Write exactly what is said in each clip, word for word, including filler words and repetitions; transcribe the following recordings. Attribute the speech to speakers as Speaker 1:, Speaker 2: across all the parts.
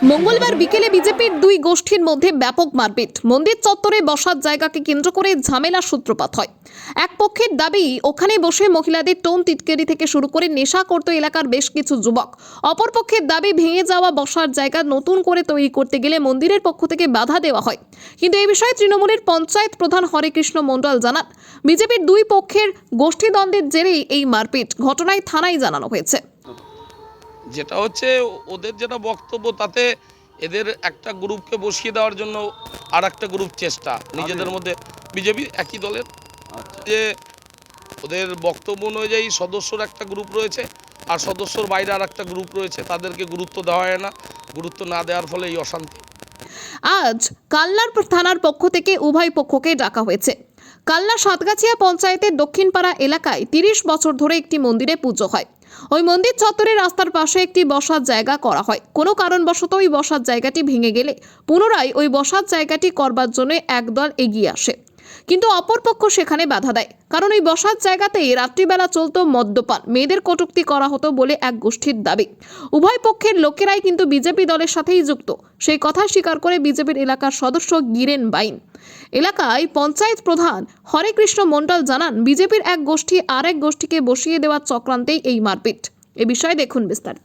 Speaker 1: মঙ্গলবার বিকেলে বিজেপির দুই গোষ্ঠীর মধ্যে ব্যাপক মারপিট। মন্দির চত্বরে বসার জায়গাকে কেন্দ্র করে ঝামেলার সূত্রপাত হয়। এক পক্ষের দাবি ওখানে বসে মহিলাদের টোন টিটকারি থেকে শুরু করে নেশা করত এলাকার বেশ কিছু যুবক। অপর পক্ষের দাবি ভেঙে যাওয়া বসার জায়গা নতুন করে তৈরি করতে গেলে মন্দিরের পক্ষ থেকে বাধা দেওয়া হয়। কিন্তু এই বিষয়ে তৃণমূলের পঞ্চায়েত প্রধান হরেকৃষ্ণ মণ্ডল জানান, বিজেপির দুই পক্ষের গোষ্ঠীদ্বন্দ্বের জেরেই এই মারপিট। ঘটনায় থানায় জানানো হয়েছে।
Speaker 2: যেটা হচ্ছে ওদের যেটা বক্তব্য, তাতে এদের একটা গ্রুপকে বসিয়ে দেওয়ার জন্য আর একটা গ্রুপ চেষ্টা নিজেদের মধ্যে, বিজেপি একই দলের, যে ওদের বক্তব্য অনুযায়ী সদস্যর একটা গ্রুপ রয়েছে আর সদস্যর বাইরে আর একটা গ্রুপ রয়েছে, তাদেরকে গুরুত্ব দেওয়া হয় না। গুরুত্ব না দেওয়ার ফলে এই অশান্তি।
Speaker 1: আজ কাল্লার থানার পক্ষ থেকে উভয় পক্ষকে ডাকা হয়েছে। কাল্লা সাতগাছিয়া পঞ্চায়েতের দক্ষিণপাড়া এলাকায় তিরিশ বছর ধরে একটি মন্দিরে পুজো হয়। ওই মন্দির চত্বরে রাস্তার পাশে একটি বসার জায়গা করা হয়। কোনো কারণবশত ওই বসার জায়গাটি ভেঙে গেলে পুনরায় ওই বসার জায়গাটি করবার জন্য একদল এগিয়ে আসে, কিন্তু অপরপক্ষ সেখানে বাধা দেয়। কারণ ওই বসার জায়গাতেই রাত্রিবেলা চলত মদ্যপান, মেয়েদের কটূক্তি করা হতো বলে এক গোষ্ঠীর দাবি। উভয় পক্ষের লোকেরাই কিন্তু বিজেপি দলের সাথেই যুক্ত, সেই কথা স্বীকার করে বিজেপির এলাকার সদস্য গিরেন বাইন। এলাকায় পঞ্চায়েত প্রধান হরেকৃষ্ণ মণ্ডল জানান, বিজেপির এক গোষ্ঠী আর এক গোষ্ঠীকে বসিয়ে দেওয়ার চক্রান্তেই এই মারপিট। এ বিষয়ে দেখুন বিস্তারিত।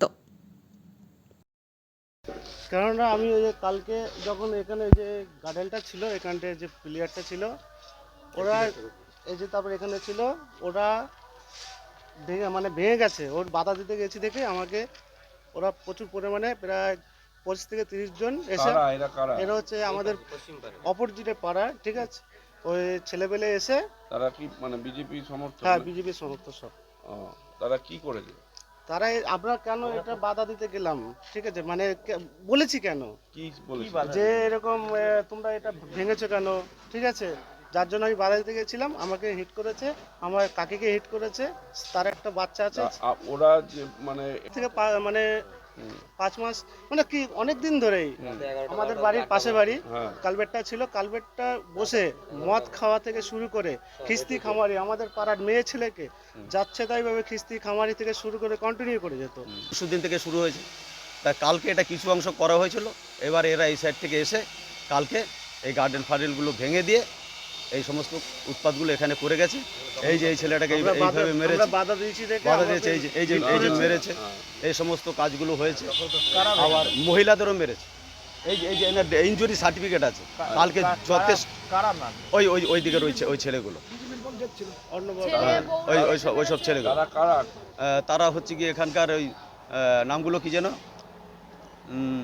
Speaker 3: কেননা আমি ওই যে কালকে যখন এখানে যে গার্ডেনটা ছিল, এখানটায় যে প্লেয়ারটা ছিল, ওরা এই যে তারপর এখানে ছিল, ওরা ভেঙে মানে ভেঙে গেছে। ওর বাধা দিতে গেছি দেখে আমাকে ওরা প্রচুর পরিমাণে প্রায় পঁচিশ থেকে তিরিশ জন এসে, এরা হচ্ছে আমাদের অপরজিটে পাড়া, ঠিক আছে, ওই ছেলেপেলে এসে।
Speaker 4: তারা কি মানে বিজেপি সমর্থক?
Speaker 3: হ্যাঁ, বিজেপি সমর্থক সব।
Speaker 4: ও, তারা কি করেছে?
Speaker 3: তারা আমরা কেন এটা বাধা দিতে গেলাম, ঠিক আছে, মানে বলেছি কেন
Speaker 4: কি বলেছে
Speaker 3: যে এরকম আহ, তোমরা এটা ভেঙেছো কেন, ঠিক আছে, যার জন্য আমি বাধা দিতে গেছিলাম। আমাকে হিট করেছে, আমার কাকিকে হিট করেছে, তার একটা বাচ্চা আছে।
Speaker 4: আ- ওরা যে মানে
Speaker 3: থেকে পা- মানে পাঁচ মাস মানে কি অনেক দিন ধরেই আমাদের বাড়ির পাশে বাড়ি
Speaker 4: হ্যাঁ।
Speaker 3: কালবেটটা ছিল, কালবেটটা বসে মদ খাওয়া থেকে শুরু করে খিস্তি খামারি আমাদের পাড়ার মেয়ে ছেলেকে যাচ্ছে তাই ভাবে খিস্তি খামারি থেকে শুরু করে কন্টিনিউ করে যেত।
Speaker 5: পরশুদিন থেকে শুরু হয়েছে, তা কালকে এটা কিছু অংশ করা হয়েছিল। এবার এরা এই সাইড থেকে এসে কালকে এই গার্ডেন ফার্ডেনগুলো ভেঙে দিয়ে এই সমস্ত উৎপাতগুলো এখানে করে গেছে। এই যে এই ছেলেটাকে এই-
Speaker 3: আমরা বাধা-
Speaker 5: এইভাবে মেরেছে,
Speaker 3: আমরা বাধা দিয়েছি দেখে
Speaker 5: বাধা দিয়েছে, এই যে এই যে এই যে মেরেছে, এই সমস্ত কাজগুলো হয়েছে। আবার মহিলাদেরও মেরেছে। এই যে এই যে এনার ইনজুরি সার্টিফিকেট আছে, কালকে যথেষ্ট ওই ওই ওই দিকের ওই ছে- ওই ছেলেগুলো,
Speaker 3: অন্য
Speaker 5: হ্যাঁ, ওই ওই সব ওই সব ছেলেগুলো,
Speaker 4: তারা কারা?
Speaker 5: আহ, তারা হচ্ছে কি এখানকার ওই আহ, নামগুলো কি যেন, উম,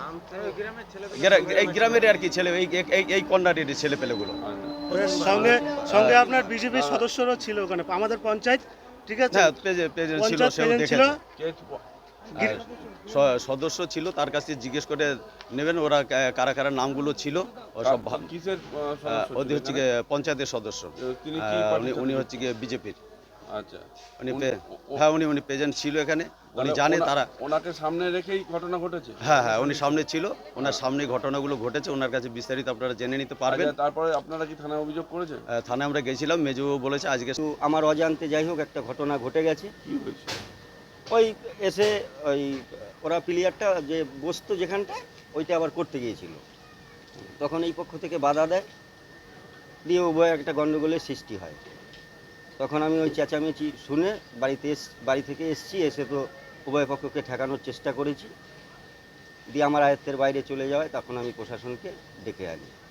Speaker 5: গ্রা- এই গ্রামের আর কি ছেলে, এই এই- এই কন্যাটির ছেলে পেলেগুলো।
Speaker 3: সঙ্গে সঙ্গে আপনার বিজেপির সদস্যরা ছিল ওখানে, আমাদের পঞ্চায়েত, ঠিক আছে,
Speaker 5: হ্যাঁ, প্রেজে- প্রেজেন্ট ছিল,
Speaker 3: পঞ্চায়েত
Speaker 5: সেও
Speaker 3: প্রেসিডেন্ট ছিল।
Speaker 5: দেখেছে। আর স- সদস্য ছিল, তার কাছে জিজ্ঞেস করে নেবেন ওরা কা- কারা কারা নামগুলো ছিল। ও সব ভা-
Speaker 4: কিসের আহ,
Speaker 5: আহ,
Speaker 4: সদস্য
Speaker 5: ওদের
Speaker 4: ছিল
Speaker 5: হচ্ছে
Speaker 4: এখানে?
Speaker 5: গিয়ে পঞ্চায়েতের সদস্য।
Speaker 4: তিনি কি
Speaker 5: আহ,
Speaker 4: পার্টির
Speaker 5: উনি
Speaker 4: সাথে
Speaker 5: উনি
Speaker 4: যুক্ত?
Speaker 5: হচ্ছে গিয়ে বিজেপির।
Speaker 4: আচ্ছা,
Speaker 5: উনি
Speaker 4: উনি-
Speaker 5: পে-
Speaker 4: ও- ও-
Speaker 5: হ্যাঁ, উনি উনি প্রেজেন্ট ছিল এখানে, উনি
Speaker 4: তাহলে
Speaker 5: জানে
Speaker 4: ওনা-
Speaker 5: তারা।
Speaker 4: ওনাকে সামনে রেখেই ঘটনা ঘটেছে।
Speaker 5: হ্যাঁ হ্যাঁ, উনি সামনে ছিল, ওনার সামনে ঘটনাগুলো ঘটেছে, ওনার কাছে বিস্তারিত আপনারা জেনে নিতে পারবেন।
Speaker 4: আচ্ছা, তারপরে আপনারা কি থানায় অভিযোগ করেছেন?
Speaker 5: আহ, থানায় আমরা গেছিলাম, মেজু বলেছে আজকে
Speaker 6: তো আমার অজান্তে যাই হোক একটা ঘটনা ঘটে গেছে।
Speaker 4: কি হয়েছে?
Speaker 6: ওই এসে ওই ওরা প্লেয়ারটা যে বসতো যেখানটা, ওইটা আবার করতে গিয়েছিল, তখন এই পক্ষ থেকে বাধা দেয়, দিয়ে উভয় একটা গণ্ডগোলের সৃষ্টি হয়। তখন আমি ওই চেঁচামেচি শুনে বাড়িতে এস বাড়ি থেকে এসছি, এসে তো উভয় পক্ষকে ঠেকানোর চেষ্টা করেছি, দিয়ে আমার আয়ত্তের বাইরে চলে যাওয়ায় তখন আমি প্রশাসনকে ডেকে আনি।